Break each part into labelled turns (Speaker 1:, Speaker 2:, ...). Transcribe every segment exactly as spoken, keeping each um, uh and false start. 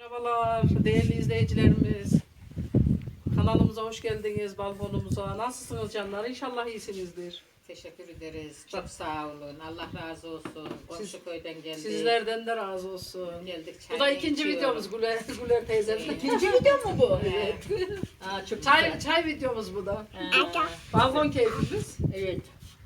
Speaker 1: Merhabalar değerli izleyicilerimiz. Kanalımıza hoş geldiniz, balkonumuza. Nasılsınız canlar? İnşallah iyisinizdir.
Speaker 2: Teşekkür ederiz. Çok sağ olun. Allah razı olsun. Komşu köyden geldik.
Speaker 1: Sizlerden de razı olsun.
Speaker 2: Geldik.
Speaker 1: Bu da ikinci
Speaker 2: içiyoruz.
Speaker 1: videomuz Güler, Güler teyzemle.
Speaker 2: İkinci video mu bu? Evet. Aa, çok
Speaker 1: Çay,
Speaker 2: güzel.
Speaker 1: çay videomuz bu da.
Speaker 2: Ha,
Speaker 1: Balkon keyfimiz.
Speaker 2: evet.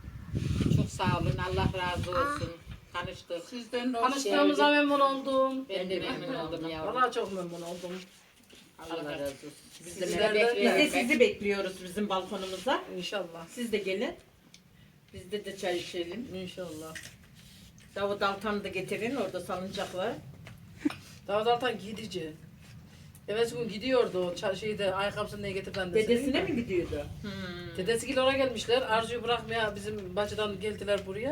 Speaker 2: Çok sağ olun. Allah razı olsun. Tanıştık.
Speaker 3: Sizden de hoş
Speaker 1: Tanıştığımıza memnun oldum.
Speaker 2: Ben de memnun oldum yavrum.
Speaker 1: Vallahi çok memnun oldum.
Speaker 2: Allah razı olsun. Biz de
Speaker 1: Sizlerden
Speaker 2: merak
Speaker 1: de.
Speaker 3: Biz de
Speaker 2: bekliyoruz.
Speaker 3: sizi bekliyoruz bizim balkonumuza.
Speaker 1: İnşallah.
Speaker 3: Siz de gelin. Bizde de çay içelim.
Speaker 1: İnşallah.
Speaker 3: Davut Altan'ı da getirin. Orada salıncak var.
Speaker 1: Davut Altan gidici. Evet gün gidiyordu o ça- şeyde ayakkabısını ne getirden de.
Speaker 3: Dedesine mi gidiyordu?
Speaker 2: Hmm.
Speaker 1: Dedesiyle oraya gelmişler. Arzu'yu bırakmaya bizim bacıdan geldiler buraya.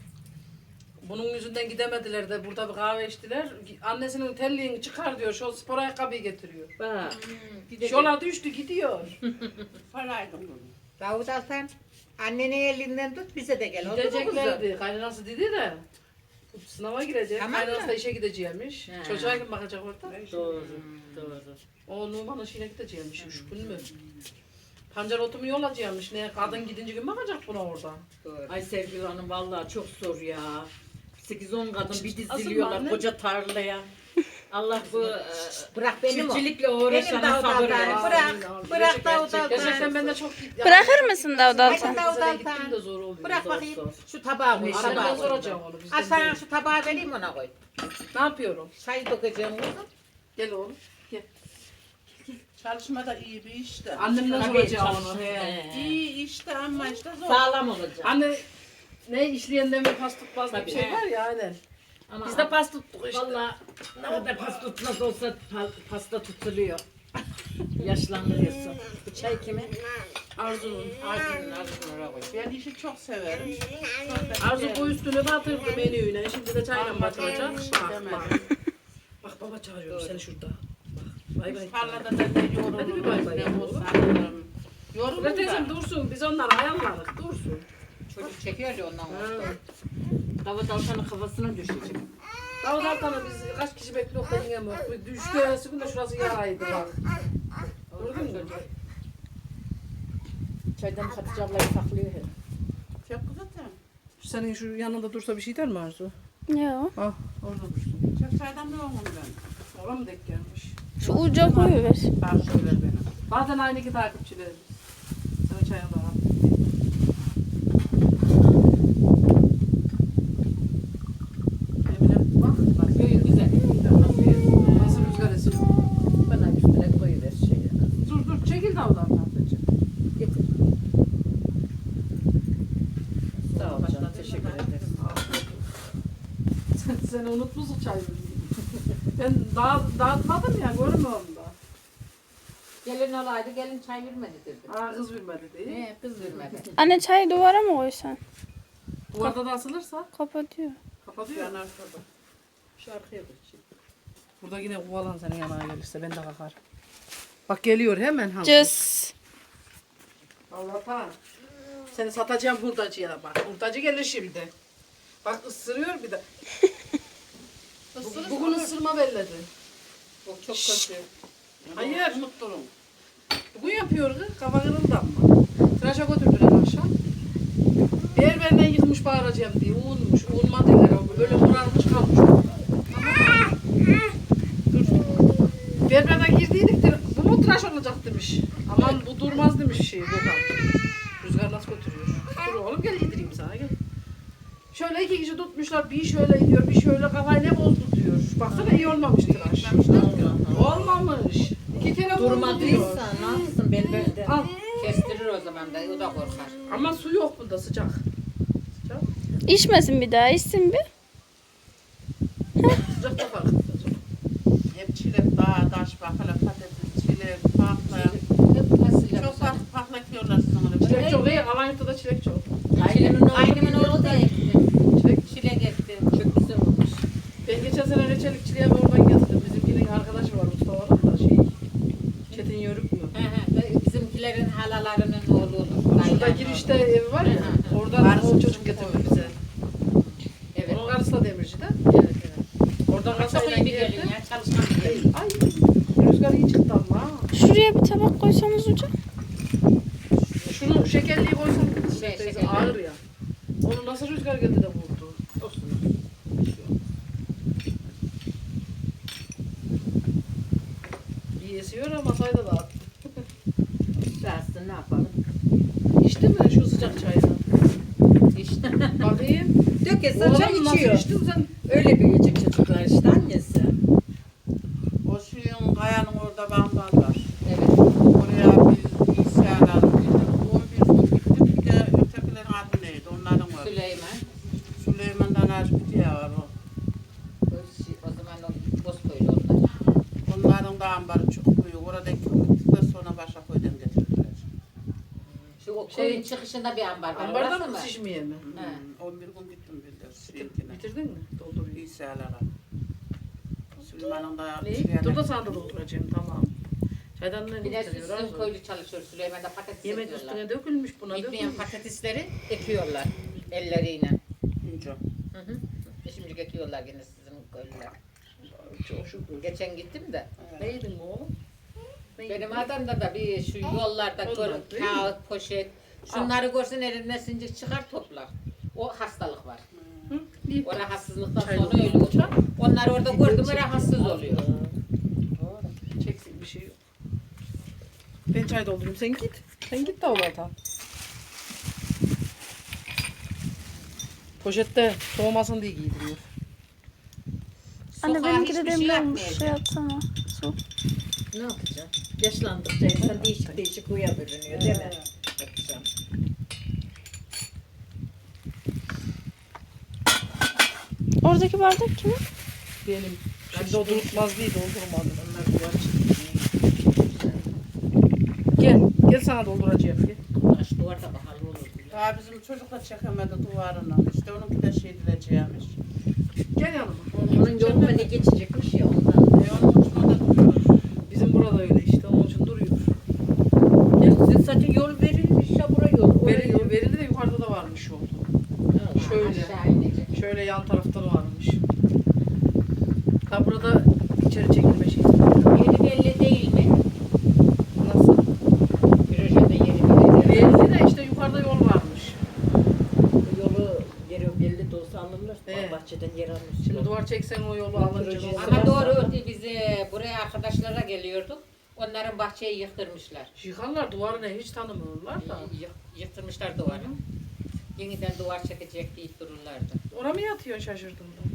Speaker 1: Bunun yüzünden gidemediler de burada bir kahve içtiler. Annesinin terliğini çıkar diyor. Şu spor ayakkabıyı getiriyor.
Speaker 3: Bak.
Speaker 1: Şola düştü gidiyor.
Speaker 3: Paraydım bunu.
Speaker 2: Davut Altan, annenin elinden tut bize de gel. Oldu mu kızım?
Speaker 1: Gideceklerdi. Kaynanası dedi de. Sınava girecek.
Speaker 2: Tamam mı?
Speaker 1: Kaynanası da işe gideceğimiş.
Speaker 2: He.
Speaker 1: Çocuğa kim bakacak orada?
Speaker 3: Doğru. Doğru.
Speaker 1: O Numan'ın işine gideceğimiş. Üç gün mü? Pancar otumu yolacakmış. Ne kadın gidince kim bakacak buna orada?
Speaker 2: Doğru.
Speaker 3: Ay Sevgili Hanım vallahi çok zor ya. sekiz on kadın bir
Speaker 1: Asıl
Speaker 3: diziliyorlar
Speaker 1: anne-
Speaker 3: koca tarlaya. Allah bu e,
Speaker 2: Bırak benim o.
Speaker 3: çiftçilikle
Speaker 2: Benim
Speaker 3: uğraşana
Speaker 2: Davut
Speaker 3: sabır
Speaker 2: Altan.
Speaker 3: versin.
Speaker 2: Bırak. Bırak Davut Altan.
Speaker 1: Gerçekten ben de çok...
Speaker 4: Bırakır mısın Davut
Speaker 2: Hadi
Speaker 4: Altan?
Speaker 2: Davut
Speaker 1: Bize de gittim
Speaker 2: Altan.
Speaker 1: de zor oluyor.
Speaker 2: Bırak
Speaker 1: Zor,
Speaker 2: bakayım.
Speaker 1: zor.
Speaker 2: Şu tabağı koy.
Speaker 1: Annemden
Speaker 2: Tabağı koy.
Speaker 1: soracağım onu. bizden
Speaker 2: Al sana
Speaker 1: değil.
Speaker 2: şu tabağı vereyim ona koy.
Speaker 1: Ne yapıyorum?
Speaker 2: Çay dökeceğim kızım.
Speaker 1: Gel oğlum. Gel.
Speaker 5: Çalışma da iyi bir işte.
Speaker 1: Annemden
Speaker 3: Tabii,
Speaker 1: soracağım
Speaker 3: çalış-
Speaker 1: onu.
Speaker 3: He.
Speaker 5: İyi işte ama işte zor.
Speaker 3: Sağlam olacak.
Speaker 1: Anne ne işleyenden bir pas tutmaz bir
Speaker 3: Tabii.
Speaker 1: şey var ya aynen.
Speaker 3: Ama
Speaker 1: Biz de pas tuttuk işte.
Speaker 3: Valla ne kadar pas tutmaz olsa pa- pasta tutuluyor. Yaşlandırıyorsun. Bu çay kimin?
Speaker 1: Arzu'nun.
Speaker 2: Ağzını ağzını oraya koy.
Speaker 5: Ben işi çok severim.
Speaker 1: Arzu bu üstünü batırdı menüyle. Şimdi de çayla
Speaker 5: Ama
Speaker 1: batıracak.
Speaker 5: ben
Speaker 1: Bak
Speaker 5: demedim.
Speaker 1: bak. Bak baba çağırıyor seni şurada. Bak. Bay bay.
Speaker 5: Tarlada da ne
Speaker 1: Hadi bir bay bay
Speaker 5: yorulurum,
Speaker 1: yap
Speaker 5: ne
Speaker 1: oğlum.
Speaker 5: bozarım. Yorulun
Speaker 1: Ulan teyzem
Speaker 5: da.
Speaker 1: dursun. Biz onları ayarladık. Dursun.
Speaker 2: Çocuk çekiyor ya ondan sonra.
Speaker 3: Davut Altan'ın kafasına düşecek.
Speaker 1: Davut Altan'ı biz kaç kişi bekliyoruz da yiyemiyoruz. Bu düştü ertesi gün de şurası yaraydı bak. Gördün mü?
Speaker 3: Çaydan Hatice ablayı saklıyor hep.
Speaker 5: Çok zaten.
Speaker 1: Senin şu yanında dursa bir şey der mi Arzu?
Speaker 4: Yok.
Speaker 1: Ah orada dursun.
Speaker 5: Çok çaydan ne olmam ben.
Speaker 1: Ona mı denk gelmiş?
Speaker 4: Şu uca koyuver.
Speaker 5: Bak şöyle benim.
Speaker 1: Bazen aynı ki takipçilerimiz. Sana çayını daha. Emine bak. Bak
Speaker 3: Böyle güzel.
Speaker 1: nasıl rüzgar esiyor.
Speaker 3: Bana üstüne koyuver şeyi.
Speaker 1: Dur dur çekil de oradan tahtacığım.
Speaker 3: Getir. Sağ ol canım. Teşekkür ederim.
Speaker 1: Sen, seni unutmuşsun çay vermeyi. Ben daha dağıtmadım ya görmüyorum da.
Speaker 2: Gelin olaydı gelin çay vermedi dedi.
Speaker 1: Aa kız vermedi değil.
Speaker 2: He kız vermedi.
Speaker 4: Anne çayı duvara mı koysan?
Speaker 1: Duvarda da asılırsa
Speaker 4: Kapatıyor.
Speaker 1: kapatıyor.
Speaker 5: Yanar şurada. Şu arkaya koy.
Speaker 1: Burada yine kovalan senin yanına gelirse ben de kalkar. Bak geliyor hemen hazır.
Speaker 4: Cız.
Speaker 1: Allah'tan. Seni satacağım hurdacıya bak. Hurdacı gelir şimdi. Bak ısırıyor bir de. Bu- Bugün ısırma belledi.
Speaker 2: Bu çok kötü.
Speaker 1: Hayır.
Speaker 5: Unutturun.
Speaker 1: Bugün yapıyor kız. Kafa kırıldı ama. Tıraşa götürdüler akşam. Berberinden yıkmış bağıracağım diye. Uğunmuş. Uğunma derler. Böyle morarmış kalmış. Dur. Berberden girdiydik de bu mu tıraş olacak demiş. Aman bu durmaz demiş şey. Gökhan. Rüzgar nasıl götürüyor? Dur oğlum gel yedireyim sana gel. Şöyle iki kişi tutmuşlar. Bir şöyle gidiyor, bir şöyle kafayı ne bozdu diyor. Baksana iyi olmamış tıraş. Olmamış. İki kere vurdu diyor.
Speaker 3: Durmadıysa ne yapsın berberde?
Speaker 1: Al.
Speaker 2: Kestirir o zaman da o da korkar.
Speaker 1: Ama su yok bunda sıcak. Sıcak.
Speaker 4: İçmesin bir daha. İçsin bir.
Speaker 1: Sıcak da var.
Speaker 5: Hep çilek, dağ, taş, bakala, patates, çilek, pakla.
Speaker 2: Hep nasıl
Speaker 5: Çok fazla paklakıyorlar sonra.
Speaker 1: Çilek çok iyi. Alanya'da çilek çok.
Speaker 3: Ailemin oğlu
Speaker 2: Ailemin oğlu da ekti.
Speaker 1: Çilek.
Speaker 2: Çilek ekti.
Speaker 3: çok güzel olmuş.
Speaker 1: Ben geçen sene reçelikçiliğe bir oradan getirdim. Bizimkinin arkadaşı var Mustafa da şey. Çetin Yörük mü?
Speaker 2: He he. Bizimkilerin halalarının oğlu olur.
Speaker 1: Şurada girişte evi var ya. Oradan o çocuk getirdi bize.
Speaker 2: Evet.
Speaker 1: Onun karısı da demirci de.
Speaker 2: Evet evet.
Speaker 1: Oradan
Speaker 2: Çok
Speaker 1: kasayla
Speaker 2: iyi bir
Speaker 1: geldi.
Speaker 2: gelin ya çalışkan bir gelin.
Speaker 1: Ay rüzgar iyi çıktı ama. ha.
Speaker 4: Şuraya bir tabak koysanız hocam.
Speaker 1: Şunu şekerliği koysam
Speaker 2: Şey,
Speaker 1: teyze,
Speaker 2: şekerli.
Speaker 1: ağır ya. Onu nasıl rüzgar geldi de vurdu.
Speaker 2: Olsun.
Speaker 1: İyi esiyor ama sayda da attı.
Speaker 3: Dersin ne yapalım?
Speaker 1: İçti mi şu sıcak çayını?
Speaker 2: İşte.
Speaker 1: Bakayım.
Speaker 3: Dökese
Speaker 1: Oğlum
Speaker 3: çay
Speaker 1: nasıl
Speaker 3: içiyor.
Speaker 1: içtin sen?
Speaker 3: Öyle büyüyecek çocuklar işte annesi.
Speaker 5: O suyun kayanın orada bambal var.
Speaker 2: Evet.
Speaker 5: Oraya biz bilgisayarlar on bir gün gittim. Bir de ötekilerin adı neydi? Onların var.
Speaker 2: Süleyman.
Speaker 5: Süleyman'dan Arşbitiye var o.
Speaker 2: O, şey- o zaman o Bozkoylu onlar.
Speaker 5: Onların da ambarı çok büyük. Oradaki gittikten sonra başka köyden getirdiler.
Speaker 2: Şu o
Speaker 1: Şey-
Speaker 2: koyun çıkışında bir ambar var.
Speaker 1: Ambarda
Speaker 2: Orası
Speaker 1: mı şişmeye mi?
Speaker 2: He.
Speaker 5: Hmm, on bir gün gittim bildir. Suyunkine.
Speaker 1: Bitirdin mi? Dolduruyor.
Speaker 5: Bilgisayarlara. Süleyman'ın da
Speaker 1: Ne?
Speaker 5: şeyine-
Speaker 1: Dur da sana da dolduracağım tamam. Çaydan ne
Speaker 2: Bir de
Speaker 1: getiriyor?
Speaker 2: sizin
Speaker 1: az o.
Speaker 2: köylü çalışıyor. Süleyman'da patates
Speaker 1: Yemek
Speaker 2: ekiyorlar.
Speaker 1: üstüne dökülmüş buna
Speaker 2: Bitmeyen
Speaker 1: dökülmüş.
Speaker 2: patatesleri ekiyorlar elleriyle.
Speaker 5: İnce.
Speaker 2: Hı hı. Şimdi ekiyorlar yine sizin köylüler.
Speaker 1: Çok şükür.
Speaker 2: Geçen gittim de.
Speaker 1: Ne yedin mi oğlum? Ne
Speaker 2: Benim
Speaker 1: yedin?
Speaker 2: adamda da bir şu yollarda
Speaker 1: Onlar
Speaker 2: gör,
Speaker 1: değil mi?
Speaker 2: kağıt, poşet. Şunları görsen elinden sincir çıkar toplar. O hastalık var.
Speaker 1: Hı? İyi.
Speaker 2: O rahatsızlıktan
Speaker 1: Çay
Speaker 2: sonra
Speaker 1: doldur.
Speaker 2: öyle olur. Onları orada gördüm mü rahatsız oluyor.
Speaker 1: Çeksin bir şey yok. Ben çay doldurayım sen git. Sen git de Allah'tan. Poşette soğumasın diye giydiriyor.
Speaker 4: Anne
Speaker 2: Sokağa
Speaker 4: benimki de
Speaker 2: hiçbir şey
Speaker 4: demli olmuş.
Speaker 2: yapmayacak.
Speaker 4: Şey atsana. Su.
Speaker 3: Ne yapacaksın? Yaşlandıkça insan değişik değişik huya bürünüyor değil mi? Yapacağım.
Speaker 4: Oradaki bardak kimin?
Speaker 1: Benim. Şimdi o durutmaz değil doldurmadım.
Speaker 3: Onlar duvar çıkıyor.
Speaker 1: Gel. Gel sana dolduracağım. Gel.
Speaker 2: Taş duvarda pahalı olur. bile.
Speaker 5: Daha bizim çocuk da çekemedi duvarını. İşte onunki de şey dileceğimiş.
Speaker 1: Gel yanıma.
Speaker 3: Onun yoluna ne geçecekmiş ya ondan.
Speaker 5: E onun ucuna da duruyor.
Speaker 1: Bizim burada öyle işte. Onun için duruyor.
Speaker 3: Ya size sadece yol verilmiş ya buraya yol. Oraya
Speaker 1: Verildi,
Speaker 3: yol.
Speaker 1: verildi de yukarıda da varmış yol.
Speaker 3: Ha,
Speaker 1: Şöyle.
Speaker 2: Aşağı inecek.
Speaker 1: Şöyle yan tarafta da varmış. Ha burada içeri çekilme şeyi.
Speaker 2: Yeri belli değil mi?
Speaker 1: Nasıl?
Speaker 2: Projede yeri belli değil.
Speaker 1: Belli de işte yukarıda yol varmış.
Speaker 3: Bu yolu yeri belli de olsa alırlar.
Speaker 1: Evet.
Speaker 3: Bahçeden yer almışlar.
Speaker 1: Şimdi duvar çeksen o yolu alınca
Speaker 3: Projesi
Speaker 1: yol-
Speaker 2: Ama doğru bize buraya arkadaşlara geliyorduk. Onların bahçeyi yıktırmışlar.
Speaker 1: Yıkarlar duvarı ne hiç tanımıyorlar da.
Speaker 2: Yık- Yıktırmışlar duvarı. Yeniden duvar çekecek deyip dururlardı.
Speaker 1: Oraya mı yatıyorsun şaşırdım da.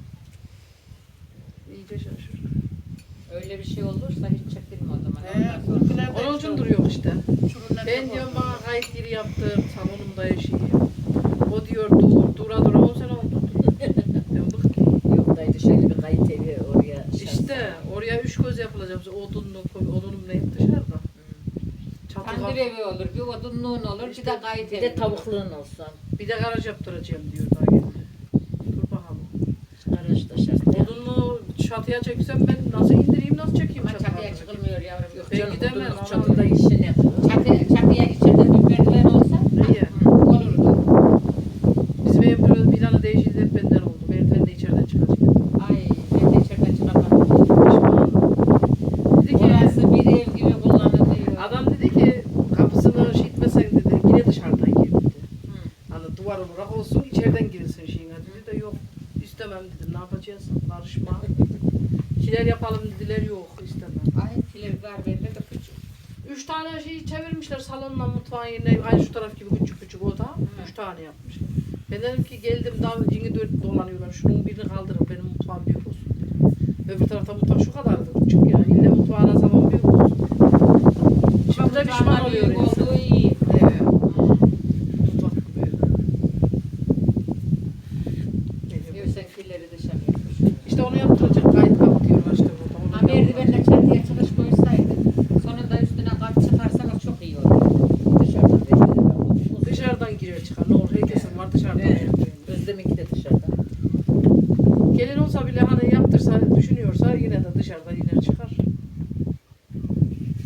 Speaker 1: İyice şaşırdım.
Speaker 2: Öyle bir şey olursa hiç çekilme o zaman.
Speaker 5: Ee,
Speaker 2: Ondan sonra.
Speaker 5: bizimkiler de
Speaker 1: Onun
Speaker 5: işte
Speaker 1: için duruyor işte.
Speaker 5: uçurumdan
Speaker 1: Ben
Speaker 5: çok
Speaker 1: diyorum
Speaker 5: oldu.
Speaker 1: bana kayıt yeri yaptır, salonumda yaşayayım. O diyor dur, dura dura on sene oldu. Ben bıktım.
Speaker 3: Yok daydı şöyle bir kayıt evi oraya.
Speaker 1: İşte oraya üç göz yapılacak. Odunlu, odunum ne hep dışarıda. Çatı
Speaker 2: Tandır
Speaker 1: var.
Speaker 2: evi olur, bir odunluğun olur, bir de gayet
Speaker 3: Bir
Speaker 2: evi
Speaker 3: de
Speaker 2: olur.
Speaker 3: tavukluğun olsun.
Speaker 1: Bir de garaj yaptıracağım diyor daha geldi. Dur bakalım.
Speaker 3: Garaj da şart. ya.
Speaker 1: Odunlu çatıya çeksem ben nasıl indireyim, nasıl çekeyim
Speaker 2: Ama çatıya
Speaker 1: çatıya?
Speaker 2: çıkılmıyor yavrum. Yok.
Speaker 1: Ben
Speaker 3: Canım
Speaker 1: gidemem
Speaker 3: odunluk
Speaker 1: ama-
Speaker 3: çatıda işini.
Speaker 2: Çatı, çatıya içeride bir merdiven olsa
Speaker 1: İyi.
Speaker 2: hı, olurdu.
Speaker 1: Bizim ev biraz planı değişti hep benden oldu. Merdiven de içeriden çıkacak.
Speaker 2: Ay ben de içeriden çıkamadım.
Speaker 1: Dedi ki,
Speaker 2: Orası bir ev gibi kullanılıyor.
Speaker 1: adam dedi ki kapısını şey etmesen dedi yine dışarıdan gir dedi.
Speaker 2: Hı.
Speaker 1: Hani duvar olarak olsun içeriden girilsin şeyine dedi de yok. İstemem dedim ne yapacağız karışma. Şeyler yapalım dediler yok istemem.
Speaker 2: Ay kiler var bende de küçük.
Speaker 1: Üç tane şey çevirmişler salonla mutfağın yerine aynı şu taraf gibi küçük küçük oda. Üç tane yapmışlar. Ben dedim ki geldim daha yeni dört dolanıyorlar. Şunun birini kaldırın benim mutfağım büyük olsun dedi. Öbür tarafta mutfak şu kadardı küçük ya. İlle mutfağına salon büyük olsun. Şimdi de pişman
Speaker 2: Mutfağına
Speaker 1: oluyor
Speaker 2: büyük
Speaker 1: insan.
Speaker 2: olduğu iyi.
Speaker 1: Evet. Mutfak büyük.
Speaker 2: Diyor sen killeri dışarı yapmış.
Speaker 1: İşte onu yaptıracak. Kayıt kapatıyorlar işte burada. Onu
Speaker 2: Ha merdivenle çatıya çıkış koysaydı. Sonunda üstüne kat çıkarsanız çok iyi olur.
Speaker 3: Dışarıdan bekliyorlar.
Speaker 1: dışarıdan giriyor çıkar. Ne olur herkesin var dışarıdan.
Speaker 3: Evet.
Speaker 1: çıkıyor.
Speaker 3: Özlem'inki de dışarıdan.
Speaker 1: Gelin olsa bile hani yaptırsa düşünüyorsa yine de dışarıdan iner çıkar.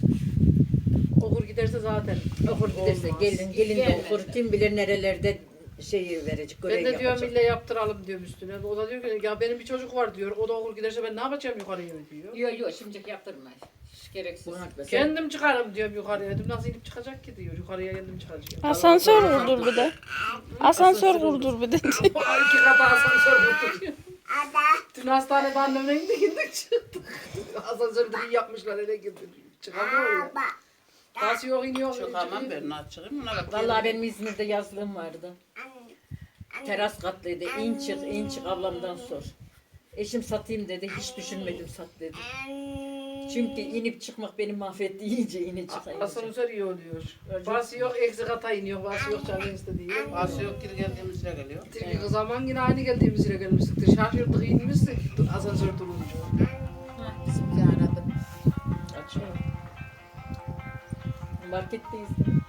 Speaker 1: Okur giderse zaten
Speaker 3: Okur giderse
Speaker 1: olmaz.
Speaker 3: gelin gelin de
Speaker 2: Gelmez
Speaker 3: okur.
Speaker 2: de.
Speaker 3: Kim bilir nerelerde şeyi verecek,
Speaker 1: Ben
Speaker 3: görev
Speaker 1: de diyorum
Speaker 3: yapacak.
Speaker 1: ille yaptıralım diyorum üstüne. O da diyor ki ya benim bir çocuk var diyor. O da okul giderse ben ne yapacağım yukarıya diyor.
Speaker 2: Yok yok şimdilik yaptırma. Hiç gereksiz.
Speaker 3: Buna sen-
Speaker 1: Kendim çıkarım diyorum yukarıya. Dedim nasıl inip çıkacak ki diyor. Yukarıya kendim çıkacağım.
Speaker 4: Asansör kurdur bir de. Asansör kurdur bir de.
Speaker 1: İki kat asansör kurduruyor. Dün hastanede annemle gittik gittik çıktık. Asansörü de iyi yapmışlar hele girdik. Çıkamıyor ya. Nasıl yok iniyor.
Speaker 5: Çıkamam ben nasıl çıkayım ona bak.
Speaker 3: Vallahi benim İzmir'de yazlığım vardı. Teras katlıydı. İn çık, in çık ablamdan sor. Eşim satayım dedi. Hiç düşünmedim sat dedi. Çünkü inip çıkmak beni mahvetti. İyice inip çıkayım.
Speaker 1: Asansör iyi oluyor. Bazı yok eksi kata iniyor. Bazı yok canın istediği.
Speaker 5: Bazı yok geri geldiğimiz yere geliyor.
Speaker 1: Tilki zaman yine aynı geldiğimiz yere gelmiştik. Şaşırdık inmiştik asansör durunca.
Speaker 2: Bizimki aradı.
Speaker 3: Açıyor. Marketteyiz.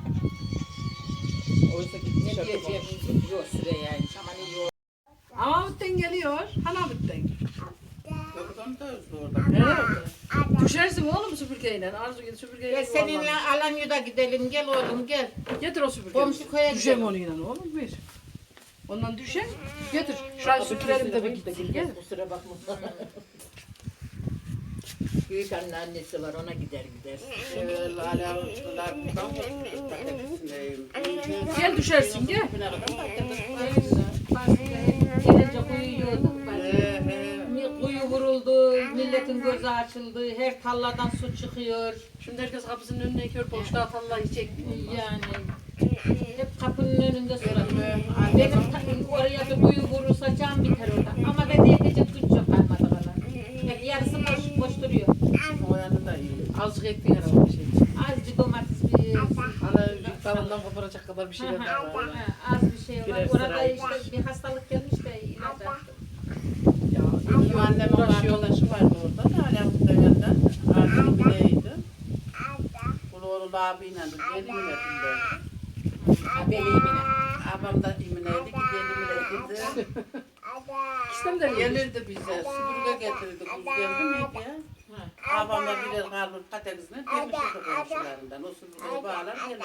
Speaker 3: Oysa ki
Speaker 2: Ne
Speaker 3: dışarıda
Speaker 2: diyeceğim?
Speaker 3: kalmış.
Speaker 2: Yok Süreyya'ymış ama ne yok.
Speaker 1: Amavut'tan geliyor. Hanavut'tan.
Speaker 5: Yoktan da özlü orada.
Speaker 1: Evet. Düşersin oğlum süpürgeyle. Arzu git süpürgeyle.
Speaker 5: Gel seninle Alanya'da gidelim gel oğlum gel.
Speaker 1: Getir o süpürgeyi.
Speaker 5: Komşu köye
Speaker 1: Düşem
Speaker 5: gidelim.
Speaker 1: onunla oğlum bir. Ondan düşer. Getir. Şurayı süpürelim de bir gidelim. Gel.
Speaker 3: Kusura bakma. Büyük anne annesi var ona gider gider.
Speaker 5: Evet, hala uçtular. Patatesindeyim.
Speaker 1: Gel düşersin gel.
Speaker 2: Gelince kuyu yiyorduk.
Speaker 5: He, he.
Speaker 2: Kuyu vuruldu, milletin gözü açıldı, her talladan su çıkıyor.
Speaker 1: Şimdi herkes kapısının önüne kör boşta atanlar çekmiyor.
Speaker 2: Yani hep kapının önünde sular.
Speaker 5: Benim,
Speaker 2: Benim ta- oraya bir kuyu vurursa can biter orada. Ama ben de yetecek güç yok kalmadı kadar. Hep yarısı boş, boş duruyor.
Speaker 5: O yanı da iyi.
Speaker 1: Azıcık ekti herhalde şey.
Speaker 2: Azıcık domates bir...
Speaker 1: Ana dalından koparacak kadar bir
Speaker 2: Ha,
Speaker 1: şeyler
Speaker 2: ha,
Speaker 1: var.
Speaker 2: ha, az bir şey var.
Speaker 3: Birer
Speaker 2: Orada
Speaker 3: sıra
Speaker 2: işte bir hastalık gelmiş de ilaç attım.
Speaker 1: Ya
Speaker 5: Benim annemin arkadaşı vardı orada da hala bu devlette. Artık bileydi. Bunu oğlu abiyle de gelin verdiğinde.
Speaker 2: Ha, beleyimine.
Speaker 5: Abam da imineydi ki gelin verdiğinde.
Speaker 1: İstem de gelir.
Speaker 5: Gelirdi bize. Süpürge getirirdi. Kuz geldi miydi ya? Abamla birer karnı patatesine demişti komşularından. O süpürgeyi bağlar gelirdi.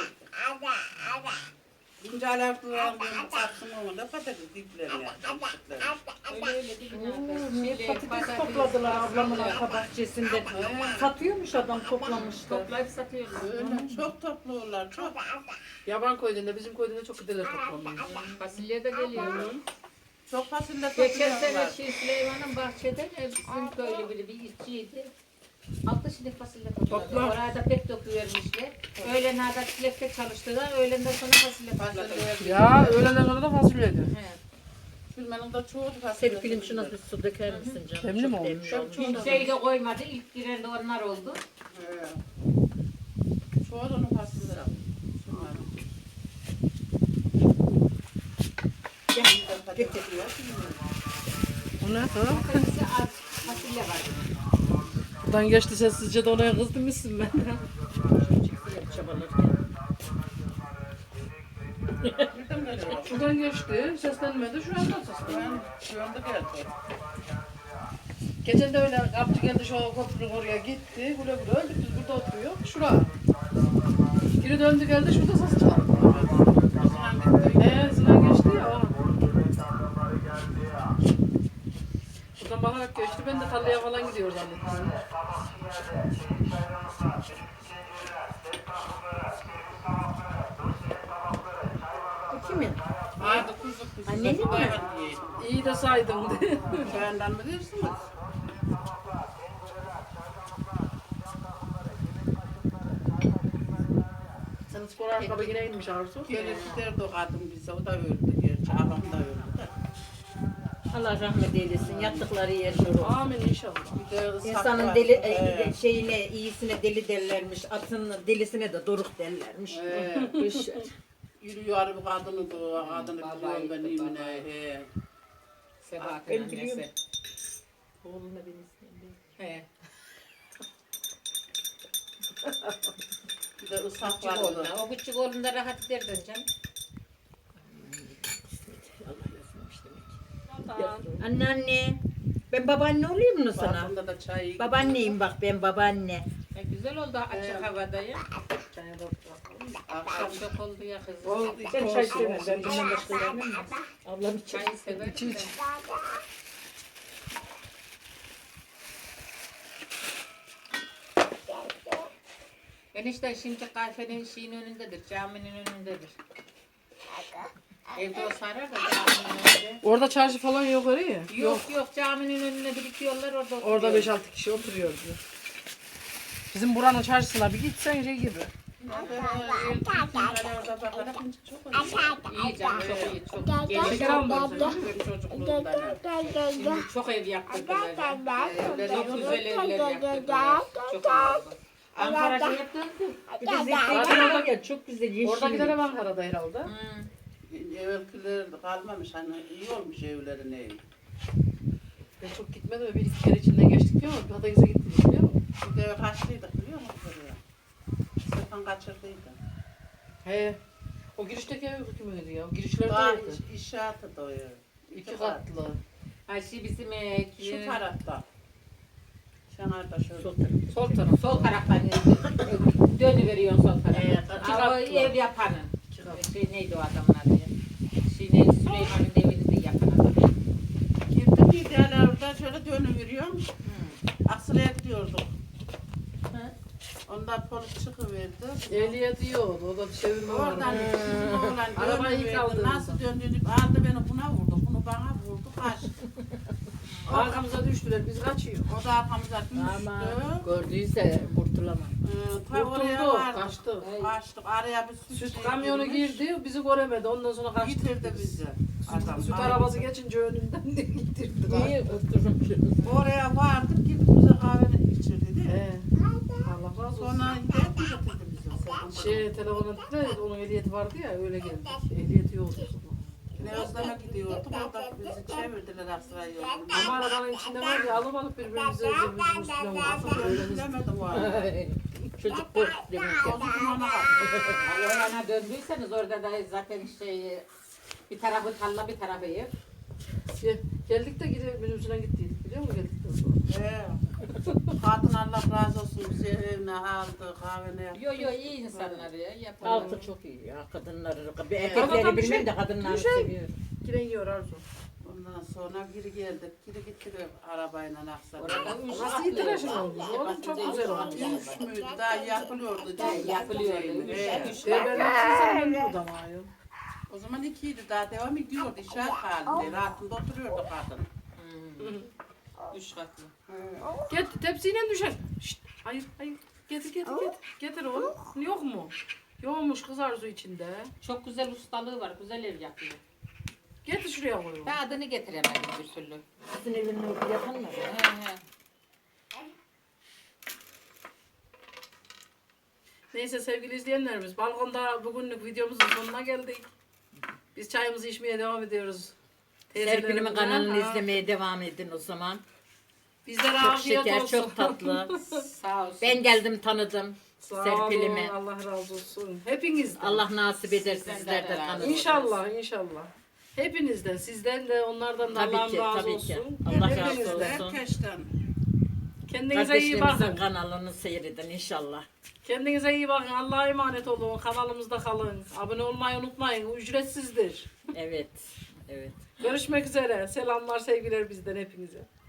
Speaker 5: Bince alartılar baksın onu da patates diplerine.
Speaker 2: Öyle öyle değil mi?
Speaker 3: Niye
Speaker 2: Şey,
Speaker 3: patates topladılar ablamın arka bahçesinde. Satıyormuş adam toplamış da.
Speaker 2: Toplayıp satıyorlar.
Speaker 5: Öyle çok topluyorlar çok.
Speaker 1: Yaban koyduğunda bizim koyduğunda çok giderler toplamıyor.
Speaker 2: Fasulye de geliyor.
Speaker 5: Çok fasulye
Speaker 2: Geçen sene
Speaker 5: topluyorlar.
Speaker 2: şey Süleyman'ın bahçede e, bizim köylü biri bir işçiydi. Altı şilik fasulye topladı.
Speaker 1: Toplar.
Speaker 2: Orada pek döküvermişler. Öğlen hada çilekte çalıştılar. Öğlenden sonra fasulye topladılar.
Speaker 5: Fasulye.
Speaker 1: Ya öğleden sonra da fasulyeydi.
Speaker 2: He.
Speaker 5: Bilmenin de çoğu fasulye.
Speaker 3: Sevgilim şuna bir su döker misin canım?
Speaker 1: Demli
Speaker 3: Çok
Speaker 1: mi olmuş?
Speaker 3: demli olmuş.
Speaker 2: Kimseyi de koymadı. İlk giren de onlar oldu.
Speaker 5: He. Çoğu da onun fasulye. Şunların.
Speaker 3: Gel, getir.
Speaker 1: O ne? Ha?
Speaker 2: Fasulye az fasulye var.
Speaker 1: Buradan geçti sessizce de oraya kızdım mısın ben?
Speaker 3: Çıksın çabalarken.
Speaker 5: Nereden geliyor?
Speaker 1: Şuradan geçti, seslenmedi, şu anda seslendi.
Speaker 5: Ben şu anda geldi.
Speaker 1: Geçen de öyle kapçı geldi şu köprülük oraya gitti, güle güle öldük biz burada oturuyor, şura. Geri döndü geldi şurada ses çıkardı. Eee zıla geçti ya o. Buradan bakarak geçti, ben de tarlaya falan gidiyor zannettim.
Speaker 3: Bu kimin?
Speaker 5: Hadi kuzu kuzu.
Speaker 3: Annenin mi?
Speaker 5: Hayvan diyeyim.
Speaker 1: İyi de saydım diye.
Speaker 5: Benden mi diyorsunuz?
Speaker 1: Senin spor ayakkabı yine inmiş Arzu.
Speaker 5: Gelir giderdi o kadın bize. O da öldü gerçi. Abam da öldü de.
Speaker 3: Allah rahmet eylesin. Yattıkları yer nur olsun.
Speaker 1: Amin inşallah.
Speaker 5: Bir de ıslak
Speaker 3: İnsanın
Speaker 5: var.
Speaker 3: deli,
Speaker 5: He.
Speaker 3: e, şeyine, iyisine deli derlermiş, atın delisine de doruk derlermiş.
Speaker 5: He.
Speaker 3: Kış.
Speaker 5: Yürüyor bir kadını da, kadını
Speaker 2: Babayı
Speaker 5: biliyorum ben
Speaker 2: da,
Speaker 5: imine.
Speaker 2: babayı.
Speaker 5: He.
Speaker 2: Sebahat'ın
Speaker 3: Ben biliyorum.
Speaker 2: annesi.
Speaker 3: Oğluna beni istemiyor.
Speaker 2: He.
Speaker 5: Bir de ıslak
Speaker 2: Küçük
Speaker 5: var.
Speaker 2: oğluna. O küçük oğlunda rahat ederdin canım.
Speaker 3: Allah yazmamış demek. Anne anne. Ben babaanne olayım mı sana?
Speaker 5: Balkonda da çay.
Speaker 3: Babaanneyim bak ben babaanne.
Speaker 2: E, güzel oldu açık
Speaker 5: Evet.
Speaker 2: havada ya.
Speaker 1: Çaya da bırakalım.
Speaker 5: Akşam
Speaker 2: Çok oldu ya kızım.
Speaker 1: Oldu,
Speaker 3: Ben
Speaker 1: olsun,
Speaker 3: çay sevmem.
Speaker 1: olsun.
Speaker 3: Ben bundan başka yemem mi? Ablam için.
Speaker 2: Çayı sever.
Speaker 1: İç, iç.
Speaker 2: Enişte şimdi kahvenin şeyin önündedir, caminin önündedir. Evde o sarar da caminin önünde.
Speaker 1: Orada çarşı falan yok oraya.
Speaker 2: Yok yok caminin önüne birikiyorlar orada oturuyor.
Speaker 1: Orada beş altı kişi oturuyor diyor. Bizim buranın çarşısına bir gitsen şey gibi.
Speaker 5: orada bakarak çok iyi.
Speaker 2: İyi canım çok iyi çok iyi.
Speaker 1: Şeker almıyorsun.
Speaker 5: Benim çocukluğumdan.
Speaker 2: Şimdi çok ev yaptırdılar.
Speaker 5: Evleri
Speaker 2: Çok
Speaker 5: yok.
Speaker 2: güzel evler yaptırdılar. Çok iyi oldu. Ankara şey döndü.
Speaker 3: Bir de zeytin var ya çok güzel yeşil.
Speaker 1: Oradakiler hep Ankara'da herhalde.
Speaker 2: Hmm.
Speaker 5: Evvelkiler kalmamış hani iyi olmuş evlerin evi.
Speaker 1: Ben çok gitmedim ve bir iki kere içinden geçtik diyor ama Pataküs'e gittik biliyor musun?
Speaker 5: Bir de kaçlıydık biliyor musun buraya? Stefan kaçırdıydı.
Speaker 1: He. O girişteki ev kimiydi ya? O
Speaker 5: Daha
Speaker 1: girişlerdeydi.
Speaker 5: iş, inşaatı da o ev.
Speaker 1: İki katlı.
Speaker 2: Ayşe bizim e,
Speaker 5: Şu tarafta. Şanarda şöyle.
Speaker 3: Sol tarafı.
Speaker 1: Sol taraf.
Speaker 2: sol taraftan dönüveriyorsun sol tarafa.
Speaker 1: Evet, iki
Speaker 2: Aa, o
Speaker 1: katlı.
Speaker 2: ev yapanın.
Speaker 1: İki katlı.
Speaker 2: Şey neydi o adamın adı ya? Şey neydi? Süleyman'ın evini de yapan adam.
Speaker 5: Girdim bir tane orada şöyle dönüveriyorum.
Speaker 2: Hmm.
Speaker 5: Aksıraya gidiyorduk.
Speaker 2: Hı.
Speaker 5: Ondan polis çıkıverdi.
Speaker 1: Ehliyet yiyordu. O da çevirme vardı.
Speaker 5: Oradan bizim oğlan
Speaker 1: Arabayı ilk
Speaker 5: dönüverdi.
Speaker 1: aldığımızda.
Speaker 5: Nasıl döndüğünü aldı beni buna vurdu. Bunu bana vurdu. Kaçtı.
Speaker 1: Arkamıza düştüler. Biz kaçıyor.
Speaker 5: O da arkamıza
Speaker 3: Ama
Speaker 5: düştü.
Speaker 3: gördüyse kurtulamam.
Speaker 5: Ee, ta oraya
Speaker 1: Kurtuldu.
Speaker 5: vardık.
Speaker 1: Kaçtı.
Speaker 5: Kaçtık. Araya bir süt,
Speaker 1: Süt
Speaker 5: şey
Speaker 1: kamyonu
Speaker 5: girmiş.
Speaker 1: girdi. Bizi göremedi. Ondan sonra kaçtı.
Speaker 5: Getirdi bizi. Adam.
Speaker 1: Süt
Speaker 5: Ay.
Speaker 1: arabası geçince önünden de getirdi.
Speaker 3: İyi kurtulmuşuz.
Speaker 5: Oraya vardık. Gidip bize kahveni içirdi değil mi?
Speaker 1: He. Allah razı olsun.
Speaker 5: Sonra hidayet mi getirdi bize?
Speaker 1: Şey telefona dedi onun ehliyeti vardı ya öyle geldi. Ehliyeti yoktu o zaman.
Speaker 5: Ne özleme gidiyorduk. Orada bizi çevirdiler Aksaray'a yolunu.
Speaker 1: Ama arabanın içinde var ya alıp alıp birbirimize birbirimize üstüne vurdu.
Speaker 5: Ben
Speaker 1: Öyle
Speaker 5: bilemedim o arada.
Speaker 3: Çocuk korktu demek ki.
Speaker 5: Çocuk ona kalktı.
Speaker 2: Orana döndüyseniz orada da zaten şey bir tarafı tarla bir tarafı ev.
Speaker 1: Gel- Geldik de gidip minibüsüne gittiydik biliyor musun geldikten sonra.
Speaker 5: He. Kadın Allah razı olsun bizi evine aldı, kahvene yaptı.
Speaker 2: Yo yo iyi insanlar ya yaparlar.
Speaker 3: Altı çok iyi ya kadınları.
Speaker 1: Ama
Speaker 3: Erkekleri
Speaker 1: bir
Speaker 3: bilmem
Speaker 1: şey-
Speaker 3: de kadınları
Speaker 1: bir şey-
Speaker 3: seviyorum.
Speaker 1: Giren yiyor Arzu.
Speaker 5: Ondan sonra geri geldik. Geri gittik arabayla Aksaray'a.
Speaker 2: Orada üç
Speaker 1: Nasıl
Speaker 2: katlı
Speaker 1: itiraj
Speaker 2: ev.
Speaker 1: olmuş? Oğlum çok güzel olmuş.
Speaker 5: Üç müydü? Daha yapılıyordu.
Speaker 2: He, yapılıyordu. Üç,
Speaker 5: He.
Speaker 2: üç
Speaker 1: Ben
Speaker 2: katlı.
Speaker 1: ben ben burada ama ya.
Speaker 5: O zaman ikiydi daha devam ediyordu. İşaret halinde. Rahatında oturuyordu kadın.
Speaker 2: Hmm. Üç katlı.
Speaker 1: Get tepsiyle düşer. Şşt, hayır hayır. Getir getir getir. Getir oğlum. Yok mu? Yokmuş kız Arzu içinde.
Speaker 2: Çok güzel ustalığı var. Güzel ev yapıyor.
Speaker 1: Getir şuraya koy. oğlum.
Speaker 2: Ben adını getiremedim bir türlü.
Speaker 3: Sizin evinin orada yakın mı?
Speaker 2: He he.
Speaker 1: Neyse sevgili izleyenlerimiz balkonda bugünlük videomuzun sonuna geldik. Biz çayımızı içmeye devam ediyoruz.
Speaker 3: Serpil'imin
Speaker 1: Teyzelerimle.
Speaker 3: kanalını
Speaker 1: Ha.
Speaker 3: izlemeye devam edin o zaman.
Speaker 1: Bizlere
Speaker 3: Çok
Speaker 1: afiyet
Speaker 3: şeker,
Speaker 1: olsun.
Speaker 3: çok tatlı.
Speaker 2: Sağ olsun.
Speaker 3: Ben geldim tanıdım
Speaker 1: Sağ
Speaker 3: Serpil'imi.
Speaker 1: olun, Allah razı olsun. Hepinizden.
Speaker 3: Allah nasip eder
Speaker 2: Sizden de
Speaker 3: sizler de
Speaker 2: razı
Speaker 3: tanıdın.
Speaker 2: olsun.
Speaker 1: İnşallah, inşallah. Hepinizden, sizden de, onlardan da
Speaker 3: Tabii
Speaker 1: Allah'ım
Speaker 3: ki,
Speaker 1: razı
Speaker 3: tabii
Speaker 1: olsun.
Speaker 3: ki. Allah razı
Speaker 1: Hepinizden.
Speaker 3: olsun.
Speaker 5: Herkesten.
Speaker 1: Kendinize iyi
Speaker 3: Kardeşlerimizin
Speaker 1: bakın.
Speaker 3: kanalını seyredin inşallah.
Speaker 1: Kendinize iyi bakın. Allah'a emanet olun. Kanalımızda kalın. Abone olmayı unutmayın. Ücretsizdir.
Speaker 3: Evet. Evet.
Speaker 1: Görüşmek üzere. Selamlar, sevgiler bizden hepinize.